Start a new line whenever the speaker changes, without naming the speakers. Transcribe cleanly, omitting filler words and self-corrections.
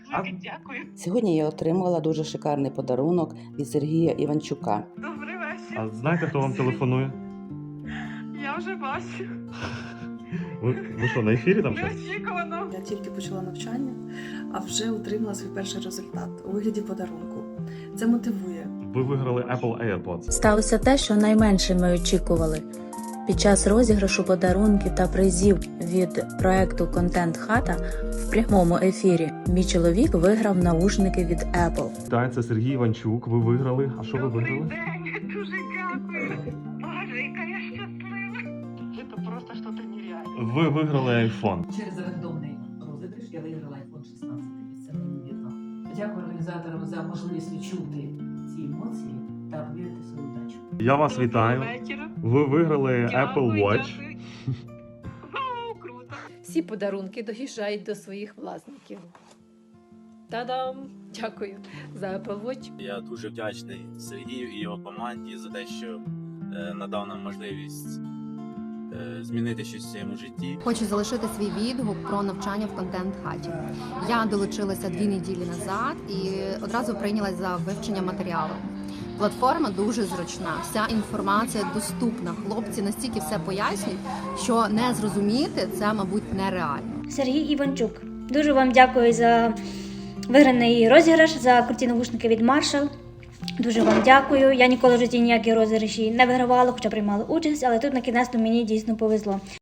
Дуже дякую.
Сьогодні я отримала дуже шикарний подарунок від Сергія Іванчука.
Добрий вечір.
А знаєте, хто вам телефонує?
Я вже бачу.
Ви що, на ефірі там щось?
Неочікувано.
Я тільки почала навчання, а вже отримала свій перший результат у вигляді подарунку. Це мотивує.
Ви виграли Apple AirPods.
Сталося те, що найменше ми очікували. Під час розіграшу подарунків та призів від проекту «Контент Хата» в прямому ефірі мій чоловік виграв наушники від Apple.
Так, це Сергій Іванчук. Ви виграли. А що ви
Добрий
виграли?
день. Дуже дякую. Боже, яка я щаслива. Це просто щось нереальне.
Ви виграли iPhone.
Через рандомний розіграш я виграла iPhone 16. Це неймовірно. Дякую організаторам за можливість відчути ці емоції та повірити в свою удачу.
Я вас вітаю.
Доброго вечора.
Ви виграли Apple
Дякую,
Watch.
дякую. Вау, круто.
Всі подарунки доїжджають до своїх власників. Та-дам! Дякую за Apple Watch.
Я дуже вдячний Сергію і його команді за те, що надав нам можливість змінити щось в своєму житті.
Хочу залишити свій відгук про навчання в контент-хаті. Я долучилася 2 неділі назад і одразу прийнялась за вивчення матеріалу. Платформа дуже зручна, вся інформація доступна. Хлопці настільки все пояснюють, що не зрозуміти це, мабуть, нереально.
Сергій Іванчук. Дуже вам дякую за виграний розіграш, за круті навушники від Marshall. Дуже вам дякую. Я ніколи в житті ніякі розіграші не вигравала, хоча приймала участь, але тут на кінець мені дійсно повезло.